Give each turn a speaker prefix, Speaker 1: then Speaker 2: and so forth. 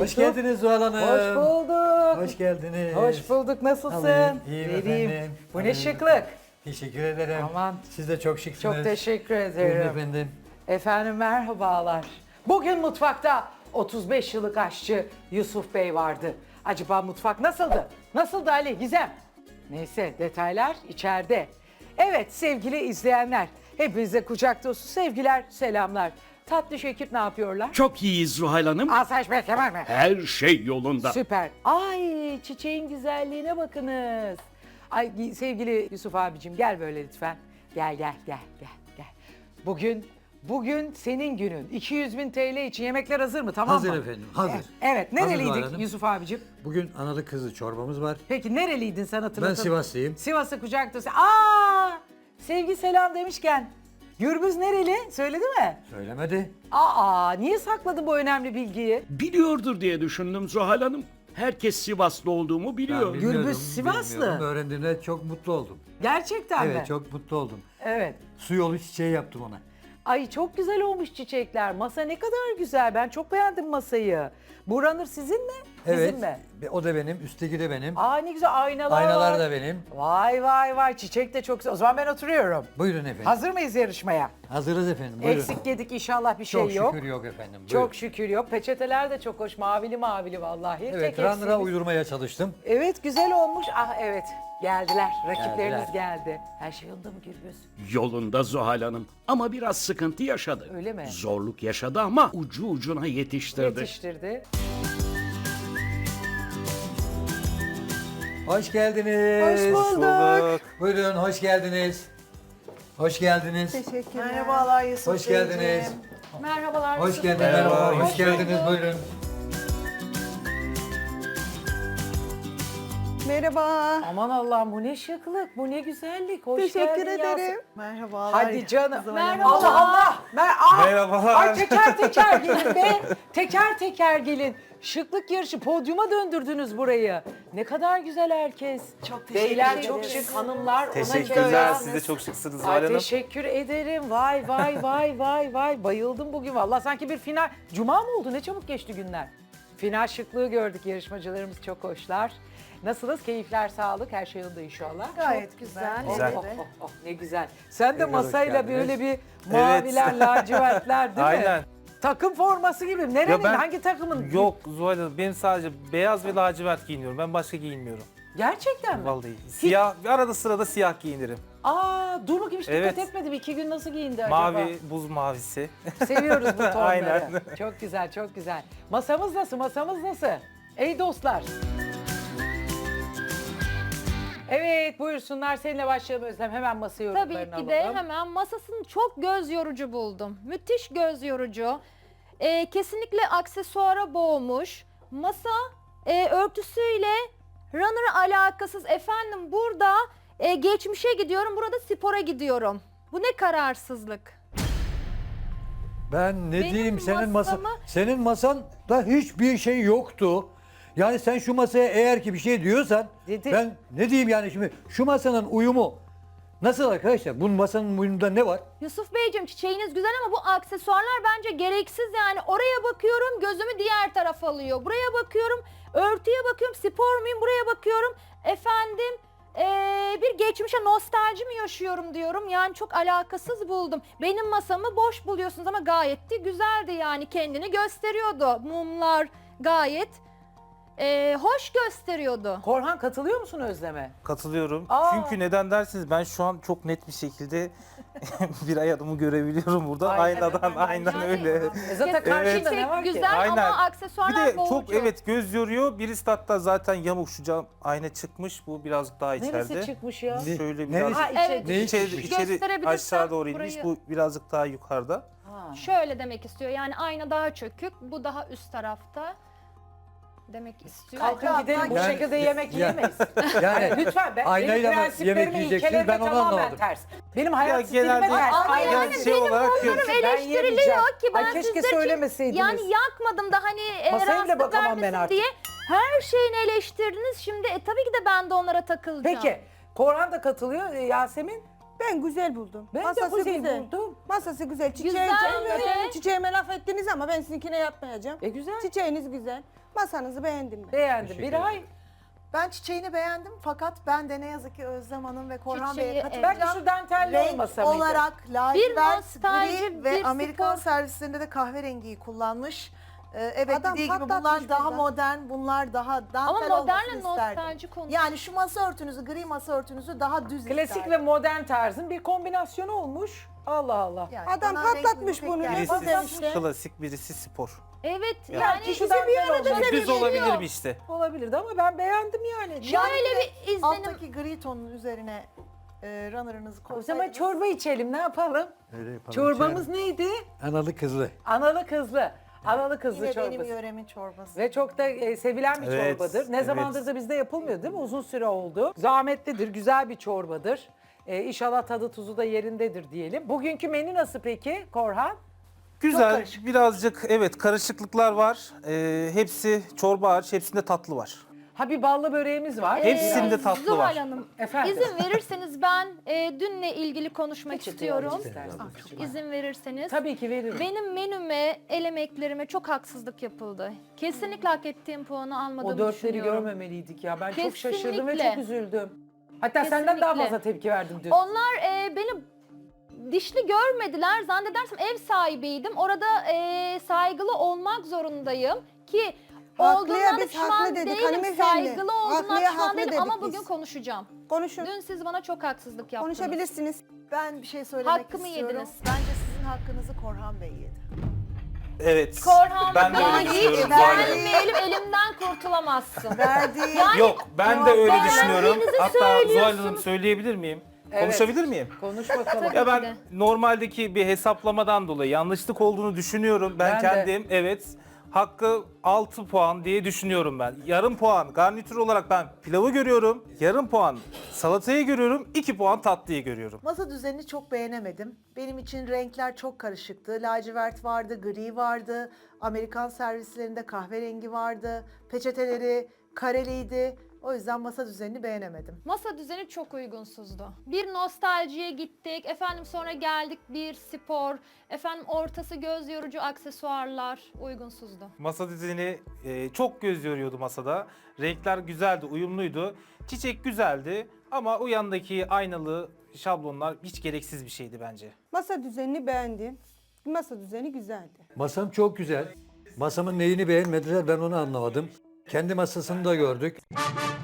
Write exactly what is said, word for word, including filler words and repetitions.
Speaker 1: Hoş geldiniz Zuhal Hanım.
Speaker 2: Hoş bulduk.
Speaker 1: Hoş geldiniz.
Speaker 2: Hoş bulduk. Nasılsın?
Speaker 1: Alayım, iyiyim
Speaker 2: Vereyim.
Speaker 1: efendim.
Speaker 2: Bu ne
Speaker 1: Alayım.
Speaker 2: şıklık.
Speaker 1: Teşekkür ederim.
Speaker 2: Aman.
Speaker 1: Siz de çok şıksınız.
Speaker 2: Çok teşekkür
Speaker 1: Buyurun
Speaker 2: ederim.
Speaker 1: efendim.
Speaker 2: Efendim merhabalar. Bugün mutfakta otuz beş yıllık aşçı Yusuf Bey vardı. Acaba mutfak nasıldı? Nasıldı Ali, Gizem? Neyse detaylar içeride. Evet sevgili izleyenler, hepinize kucak dolusu sevgiler, selamlar. Tatlış ekip ne yapıyorlar?
Speaker 3: Çok iyiyiz Zuhal Hanım.
Speaker 2: Asayiş Bey, Kemal mi?
Speaker 3: Her şey yolunda.
Speaker 2: Süper. Ay çiçeğin güzelliğine bakınız. Ay sevgili Yusuf abicim gel böyle lütfen. Gel gel gel gel gel. Bugün bugün senin günün. iki yüz bin T L için yemekler hazır mı? Tamam
Speaker 1: Hazır
Speaker 2: mı?
Speaker 1: efendim, hazır.
Speaker 2: Evet, evet.
Speaker 1: Hazır
Speaker 2: nereliydik
Speaker 1: Zuhal
Speaker 2: Yusuf abicim?
Speaker 1: Bugün analı kızı çorbamız var.
Speaker 2: Peki nereliydin sen hatırlatın.
Speaker 1: Ben Sivaslıyım.
Speaker 2: Sivas'a kucak dolusu. Aa! Sevgi selam demişken Gürbüz nereli? Söyledi mi?
Speaker 1: Söylemedi.
Speaker 2: Aa, niye sakladın bu önemli bilgiyi?
Speaker 3: Biliyordur diye düşündüm Zuhal Hanım. Herkes Sivaslı olduğumu biliyor.
Speaker 1: bilmiyordum,
Speaker 2: Gürbüz Sivaslı.
Speaker 1: bilmiyordum. Öğrendiğimde çok mutlu oldum.
Speaker 2: Gerçekten mi?
Speaker 1: Evet, çok mutlu oldum.
Speaker 2: Evet.
Speaker 1: Su yolu çiçeği yaptım ona.
Speaker 2: Ay çok güzel olmuş çiçekler. Masa ne kadar güzel. Ben çok beğendim masayı. Bu runner sizin mi? Bizim
Speaker 1: Evet.
Speaker 2: mi?
Speaker 1: ve O da benim, üstteki de benim.
Speaker 2: Aa ne güzel aynalar
Speaker 1: Aynalar
Speaker 2: var.
Speaker 1: da benim.
Speaker 2: Vay vay vay çiçek de çok güzel. O zaman ben oturuyorum.
Speaker 1: Buyurun efendim.
Speaker 2: Hazır mıyız yarışmaya?
Speaker 1: Hazırız efendim. Buyurun.
Speaker 2: Eksik yedik inşallah bir şey
Speaker 1: Çok
Speaker 2: yok.
Speaker 1: şükür yok efendim. Buyurun.
Speaker 2: Çok şükür yok. Peçeteler de çok hoş. Mavili mavili vallahi.
Speaker 1: Evet,
Speaker 2: Tek
Speaker 1: runner'a
Speaker 2: eksiğimiz-
Speaker 1: uydurmaya çalıştım.
Speaker 2: Evet güzel olmuş. Ah evet geldiler. Rakiplerimiz
Speaker 1: Geldiler.
Speaker 2: geldi. Her şey yolunda mı Gürbüz?
Speaker 3: Yolunda Zuhal Hanım. Ama biraz sıkıntı yaşadı.
Speaker 2: Öyle mi?
Speaker 3: Zorluk yaşadı ama ucu ucuna yetiştirdi.
Speaker 2: Yetiştirdi.
Speaker 1: Hoş geldiniz.
Speaker 2: Hoş bulduk.
Speaker 1: Buyurun, hoş geldiniz. Hoş geldiniz.
Speaker 2: Merhabalar Yusuf
Speaker 1: Hoş geldiniz.
Speaker 4: Merhabalar.
Speaker 1: Hoş
Speaker 4: Yusuf
Speaker 1: geldiniz.
Speaker 4: Bey.
Speaker 1: Merhaba. Hoş
Speaker 4: Hoş
Speaker 1: geldiniz.
Speaker 4: bulduk.
Speaker 1: Buyurun.
Speaker 5: Merhaba.
Speaker 2: Aman Allah'ım bu ne şıklık, bu ne güzellik. Hoş
Speaker 5: Teşekkür
Speaker 2: geldin Yasemin.
Speaker 5: ederim. Merhabalar.
Speaker 2: Hadi canım.
Speaker 4: Merhaba.
Speaker 2: Allah Allah. Mer Aa!
Speaker 6: Merhabalar.
Speaker 2: Ay teker teker gelin be. Teker teker gelin. Şıklık yarışı podyuma döndürdünüz burayı. Ne kadar güzel herkes.
Speaker 5: Çok teşekkür
Speaker 2: Beyler
Speaker 5: ederiz.
Speaker 2: çok şık, hanımlar ona
Speaker 6: Teşekkürler.
Speaker 2: göre.
Speaker 6: Siz de çok şıksınız
Speaker 2: Ay
Speaker 6: Zuhal Hanım.
Speaker 2: teşekkür ederim. Vay vay vay vay vay. Bayıldım bugün vallahi sanki bir final. Cuma mı oldu? Ne çabuk geçti günler. Final şıklığı gördük. Yarışmacılarımız çok hoşlar. Nasılsınız? Keyifler, sağlık, her şey yolunda inşallah.
Speaker 5: Gayet güzel.
Speaker 6: Güzel.
Speaker 2: Oh, oh, oh, ne güzel. Sen de
Speaker 1: Tekrar hoş
Speaker 2: masayla
Speaker 1: geldiniz.
Speaker 2: böyle bir maviler, lacivertler değil mi?
Speaker 6: Aynen.
Speaker 2: Takım forması gibi. Nerenin,
Speaker 6: Ya ben-
Speaker 2: hangi takımın?
Speaker 6: Yok Zuhal Hanım, benim sadece beyaz ve lacivert giyiniyorum. Ben başka giyinmiyorum.
Speaker 2: Gerçekten mi?
Speaker 6: Vallahi. Siyah, arada sırada siyah giyinirim.
Speaker 2: Aa, dur bakayım hiç dikkat
Speaker 6: Evet.
Speaker 2: etmedim. İki gün nasıl giyindi acaba?
Speaker 6: Mavi, buz mavisi.
Speaker 2: Seviyoruz bu tonları.
Speaker 6: Aynen.
Speaker 2: Çok güzel, çok güzel. Masamız nasıl, masamız nasıl? Ey dostlar. Evet, buyursunlar. Seninle başlayalım Özlem. Hemen masa yorumlarını
Speaker 4: Tabii ki
Speaker 2: alalım.
Speaker 4: de hemen masasını çok göz yorucu buldum. Müthiş göz yorucu. Ee, kesinlikle aksesuara boğmuş. Masa e, örtüsüyle runner alakasız. Efendim burada e, geçmişe gidiyorum, burada spora gidiyorum. Bu ne kararsızlık.
Speaker 1: Ben ne
Speaker 4: Benim
Speaker 1: diyeyim senin masa
Speaker 4: masamı-
Speaker 1: senin masanda hiçbir şey yoktu. Yani sen şu masaya eğer ki bir şey diyorsan
Speaker 2: Dedi.
Speaker 1: ben ne diyeyim yani şimdi şu masanın uyumu nasıl arkadaşlar? Bu masanın uyumunda ne var?
Speaker 4: Yusuf Beyciğim çiçeğiniz güzel ama bu aksesuarlar bence gereksiz yani. Oraya bakıyorum gözümü diğer tarafa alıyor. Buraya bakıyorum örtüye bakıyorum spor muyum buraya bakıyorum. Efendim ee, bir geçmişe nostalji mi yaşıyorum diyorum. Yani çok alakasız buldum. Benim masamı boş buluyorsunuz ama gayet de güzeldi yani kendini gösteriyordu. Mumlar gayet ee, hoş gösteriyordu.
Speaker 2: Korhan katılıyor musun Özlem'e?
Speaker 6: Katılıyorum.
Speaker 2: Aa.
Speaker 6: Çünkü neden dersiniz, ben şu an çok net bir şekilde bir ay adımı görebiliyorum burada.
Speaker 2: Aynen.
Speaker 6: Aynadan aynen
Speaker 4: Yani-
Speaker 6: öyle.
Speaker 2: E zaten karşında ne var ki?
Speaker 4: Güzel
Speaker 6: Aynen.
Speaker 4: ama
Speaker 6: Bir
Speaker 4: aksesuarlar
Speaker 6: de
Speaker 4: boğucu.
Speaker 6: çok evet göz yoruyor. Birisi de hatta zaten yamuk, şu cam ayna çıkmış. Bu birazcık daha içeride.
Speaker 2: Neresi çıkmış ya?
Speaker 1: Ne-
Speaker 6: Şöyle
Speaker 1: neresi-
Speaker 6: biraz
Speaker 2: Ha içe.
Speaker 4: Evet.
Speaker 1: Ne
Speaker 6: içeri,
Speaker 1: çıkmış?
Speaker 6: içeri
Speaker 4: Gösterebilirsen
Speaker 6: aşağı doğru inmiş.
Speaker 4: burayı-
Speaker 6: Bu birazcık daha yukarıda.
Speaker 2: Ha.
Speaker 4: Şöyle demek istiyor yani ayna daha çökük, bu daha üst tarafta demek istiyor.
Speaker 2: Kalkın gidelim bu
Speaker 1: Yani-
Speaker 2: şekilde yemek
Speaker 1: Ya-
Speaker 2: yiyemeyiz.
Speaker 1: Yani
Speaker 2: Lütfen ben
Speaker 1: aynayla
Speaker 2: benim
Speaker 1: mı
Speaker 2: prensiplerim,
Speaker 1: yemek yiyeceksiniz?
Speaker 2: ilkelerim
Speaker 1: Ben onu
Speaker 2: tamamen
Speaker 1: anlamadım.
Speaker 2: ters. Benim hayat
Speaker 6: Ya
Speaker 2: stilime
Speaker 6: genelde-
Speaker 2: ters.
Speaker 4: Ama
Speaker 2: Aynen.
Speaker 4: yani
Speaker 6: şey
Speaker 4: benim
Speaker 6: olarak
Speaker 4: bunlarım
Speaker 6: yok.
Speaker 2: Ben
Speaker 4: eleştiriliyor
Speaker 2: yemeyeceğim.
Speaker 4: ki ben
Speaker 2: Ay keşke
Speaker 4: sizler için
Speaker 2: söylemeseydiniz.
Speaker 4: yani yakmadım da hani e,
Speaker 2: Masaya bile
Speaker 4: rahatsızlık
Speaker 2: bakamam ben
Speaker 4: vermesin
Speaker 2: artık.
Speaker 4: diye her şeyini eleştirdiniz. Şimdi e, tabii ki de ben de onlara takılacağım.
Speaker 2: Peki Korhan da katılıyor. E, Yasemin
Speaker 5: Ben güzel buldum.
Speaker 2: Ben de
Speaker 5: Masası
Speaker 2: güzel buldum.
Speaker 5: Masası güzel. Çiçeği
Speaker 4: Güzel,
Speaker 5: sevmiyorum.
Speaker 4: evet.
Speaker 5: Çiçeğime laf ettiniz ama ben sizinkine yapmayacağım.
Speaker 2: E güzel.
Speaker 5: Çiçeğiniz güzel. Masanızı beğendim ben.
Speaker 2: Beğendim.
Speaker 1: Teşekkür
Speaker 2: Bir ay.
Speaker 7: Ben çiçeğini beğendim fakat ben de ne yazık ki Özlem Hanım ve Korhan
Speaker 4: Çiçeği,
Speaker 7: Bey'e
Speaker 4: evet.
Speaker 7: katılacağım.
Speaker 2: Belki şu dantelli
Speaker 7: Renk
Speaker 2: olmasa mıydı?
Speaker 7: olarak lacivert,
Speaker 4: nostalji,
Speaker 7: gri ve
Speaker 4: bir
Speaker 7: Amerikan
Speaker 4: spor.
Speaker 7: servislerinde de kahverengiyi kullanmış. Ee, evet
Speaker 5: Adam
Speaker 7: dediği gibi
Speaker 5: patlatmış
Speaker 7: bunlar daha
Speaker 5: burada.
Speaker 7: modern, bunlar daha dantel
Speaker 4: Ama modernle
Speaker 7: olmasını isterdim.
Speaker 4: nostalji konusu.
Speaker 7: Yani şu masa örtünüzü, gri masa örtünüzü daha düz
Speaker 2: Klasik
Speaker 7: isterdim.
Speaker 2: ve modern tarzın bir kombinasyonu olmuş. Allah Allah.
Speaker 7: Yani
Speaker 5: Adam
Speaker 7: bana renk
Speaker 5: patlatmış
Speaker 7: uyumu
Speaker 5: bunu.
Speaker 7: pek
Speaker 5: Ne
Speaker 7: gelmedi.
Speaker 5: güzel
Speaker 6: Birisi
Speaker 5: işte.
Speaker 6: klasik, birisi spor.
Speaker 4: Evet
Speaker 7: Yani
Speaker 4: yani
Speaker 2: şu
Speaker 5: İkisi
Speaker 2: dantel
Speaker 5: bir arada
Speaker 2: olacak.
Speaker 5: seviyor.
Speaker 6: Düz olabilir mi işte?
Speaker 2: Olabilirdi ama ben beğendim yani.
Speaker 4: şöyle bir izlenim.
Speaker 7: Alttaki gri tonun üzerine e, runner'ınızı
Speaker 2: O zaman
Speaker 7: koysaydınız.
Speaker 2: çorba içelim, ne yapalım?
Speaker 1: Öyle yapalım,
Speaker 2: Çorbamız
Speaker 1: içelim.
Speaker 2: neydi?
Speaker 1: Analı kızlı.
Speaker 2: Analı kızlı. Analı kızlı
Speaker 7: Yine
Speaker 2: çorbası.
Speaker 7: benim yöremin çorbası.
Speaker 2: Ve çok da e, sevilen bir
Speaker 6: Evet,
Speaker 2: çorbadır. Ne
Speaker 6: evet.
Speaker 2: zamandır da bizde yapılmıyor değil mi? Uzun süre oldu. Zahmetlidir, güzel bir çorbadır. E, inşallah tadı tuzu da yerindedir diyelim. Bugünkü menü nasıl peki Korhan?
Speaker 6: Güzel,
Speaker 7: karışık.
Speaker 6: birazcık evet karışıklıklar var. Ee, hepsi çorba hariç, hepsinde tatlı var.
Speaker 2: Ha bir ballı böreğimiz var.
Speaker 6: Hepsinde
Speaker 4: Ee,
Speaker 6: tatlı
Speaker 4: Zuhal
Speaker 6: var.
Speaker 4: Hanım,
Speaker 2: Efendim?
Speaker 4: izin verirseniz ben e, dünle ilgili konuşmak
Speaker 2: Peçete
Speaker 4: istiyorum.
Speaker 2: alayım isterseniz.
Speaker 4: İzin verirseniz.
Speaker 2: Tabii ki veririm.
Speaker 4: Benim menüme, el emeklerime çok haksızlık yapıldı. Kesinlikle hak ettiğim puanı almadığımı
Speaker 2: O dörtleri
Speaker 4: düşünüyorum.
Speaker 2: görmemeliydik ya. Ben çok şaşırdım ve
Speaker 4: Kesinlikle.
Speaker 2: çok üzüldüm. Hatta senden daha
Speaker 4: Kesinlikle.
Speaker 2: fazla tepki verdim dün.
Speaker 4: Onlar e, beni dişli görmediler. Zannedersem ev sahibiydim. Orada e, saygılı olmak zorundayım ki
Speaker 5: Haklıya
Speaker 4: olduğundan da
Speaker 5: biz
Speaker 4: pişman
Speaker 5: haklı dedik
Speaker 4: değilim.
Speaker 5: hanımefendi.
Speaker 4: Saygılı olduğundan
Speaker 5: Haklıya
Speaker 4: pişman
Speaker 5: haklı
Speaker 4: değilim
Speaker 5: dedik
Speaker 4: ama
Speaker 5: biz.
Speaker 4: bugün konuşacağım.
Speaker 5: Konuşun.
Speaker 4: Dün siz bana çok haksızlık yaptınız.
Speaker 5: Konuşabilirsiniz.
Speaker 7: Ben bir şey söylemek
Speaker 4: Hakkımı
Speaker 7: istiyorum.
Speaker 4: yediniz.
Speaker 7: Bence sizin hakkınızı Korhan Bey yedi.
Speaker 6: Evet.
Speaker 4: Korhan
Speaker 6: ben de
Speaker 4: bana
Speaker 6: öyle
Speaker 4: hiç
Speaker 6: düşünüyorum Zuhal Hanım.
Speaker 4: vermeyelim, elimden kurtulamazsın.
Speaker 7: Verdiği
Speaker 6: Yok, ben de öyle
Speaker 4: beğendiğinizi
Speaker 6: düşünüyorum. Hatta Zuhal
Speaker 4: söylüyorsunuz.
Speaker 6: Hanım söyleyebilir miyim?
Speaker 2: Evet.
Speaker 6: Konuşabilir miyim?
Speaker 2: Konuş bakalım.
Speaker 4: Tabii.
Speaker 6: Ya
Speaker 4: ki
Speaker 6: ben
Speaker 4: de.
Speaker 6: normaldeki bir hesaplamadan dolayı yanlışlık olduğunu düşünüyorum. Ben,
Speaker 2: Ben de.
Speaker 6: kendim evet hakkı altı puan diye düşünüyorum ben. Yarım puan garnitür olarak ben pilavı görüyorum. Yarım puan salatayı görüyorum. iki puan tatlıyı görüyorum.
Speaker 7: masa düzenini çok beğenemedim. Benim için renkler çok karışıktı. Lacivert vardı, gri vardı. Amerikan servislerinde kahverengi vardı. Peçeteleri kareliydi. O yüzden masa düzenini beğenemedim.
Speaker 4: Masa düzeni çok uygunsuzdu. Bir nostaljiye gittik, efendim sonra geldik bir spor, efendim ortası göz yorucu aksesuarlar uygunsuzdu.
Speaker 6: Masa düzeni e, çok göz yoruyordu masada. Renkler güzeldi, uyumluydu. Çiçek güzeldi ama o yandaki aynalı şablonlar hiç gereksiz bir şeydi bence.
Speaker 5: Masa düzenini beğendim. Masa düzeni güzeldi.
Speaker 1: Masam çok güzel. Masamın neyini beğenmediler ben onu anlamadım. Kendi masasını da gördük.